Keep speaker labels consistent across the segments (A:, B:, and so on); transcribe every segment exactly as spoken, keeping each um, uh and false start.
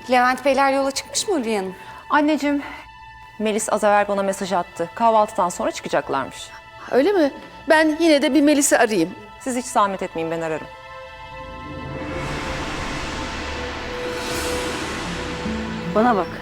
A: Levent Beyler yola çıkmış mı Ulviye Hanım?
B: Anneciğim, Melis az evvel bana mesaj attı. Kahvaltıdan sonra çıkacaklarmış.
C: Öyle mi? Ben yine de bir Melis'i arayayım.
B: Siz hiç zahmet etmeyin, ben ararım.
A: Bana bak.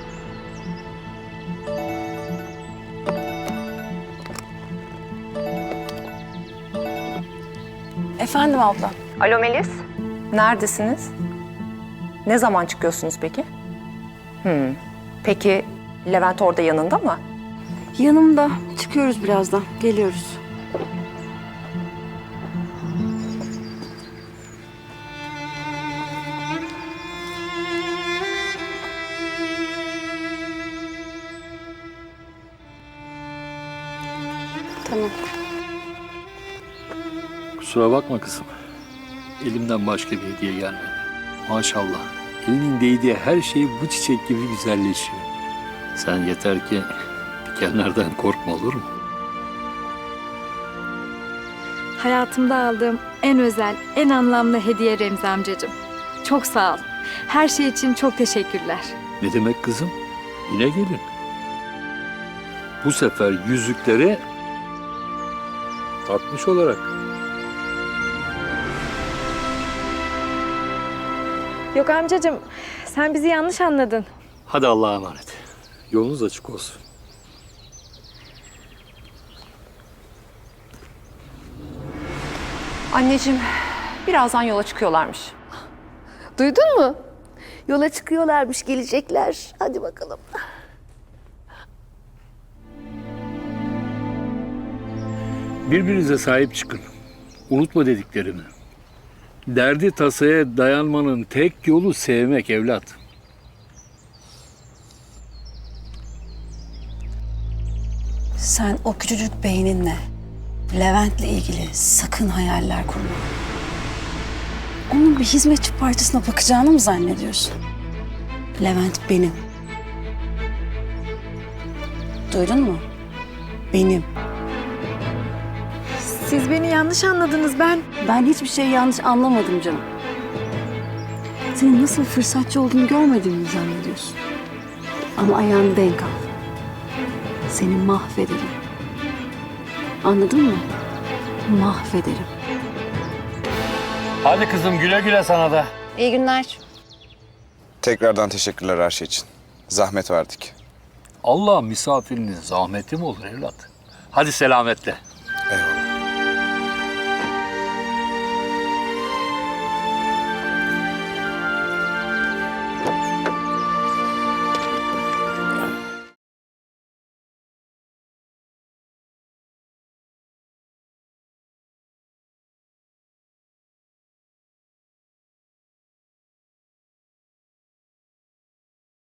A: Efendim abla.
B: Alo Melis. Neredesiniz? Ne zaman çıkıyorsunuz peki? Hmm. Peki Levent orada yanında mı?
A: Yanımda. Çıkıyoruz birazdan. Geliyoruz. Tamam.
D: Kusura bakma kızım. Elimden başka bir hediye gelmedi. Maşallah. Elinin değdiği her şey bu çiçek gibi güzelleşiyor. Sen yeter ki dikenlerden korkma, olur mu?
E: Hayatımda aldığım en özel, en anlamlı hediye Remzi amcacığım. Çok sağ ol. Her şey için çok teşekkürler.
D: Ne demek kızım? Yine gelin. Bu sefer yüzükleri takmış olarak.
E: Yok amcacığım, sen bizi yanlış anladın.
D: Hadi Allah'a emanet. Yolunuz açık olsun.
B: Anneciğim, birazdan yola çıkıyorlarmış.
C: Duydun mu? Yola çıkıyorlarmış, gelecekler. Hadi bakalım.
D: Birbirinize sahip çıkın. Unutma dediklerimi. Derdi tasaya dayanmanın tek yolu sevmek evlat.
A: Sen o küçücük beyninle Levent'le ilgili sakın hayaller kurma. Onun bir hizmetçi partisine bakacağını mı zannediyorsun? Levent benim. Duydun mu? Benim.
E: Siz beni yanlış anladınız ben.
A: Ben hiçbir şey yanlış anlamadım canım. Senin nasıl fırsatçı olduğunu görmediğimi mi zannediyorsun? Ama ayağını denk al. Seni mahvederim. Anladın mı? Mahvederim.
D: Hadi kızım, güle güle sana da.
A: İyi günler.
F: Tekrardan teşekkürler her şey için. Zahmet verdik.
D: Allah misafirinin zahmeti mi olur evlat? Hadi selametle.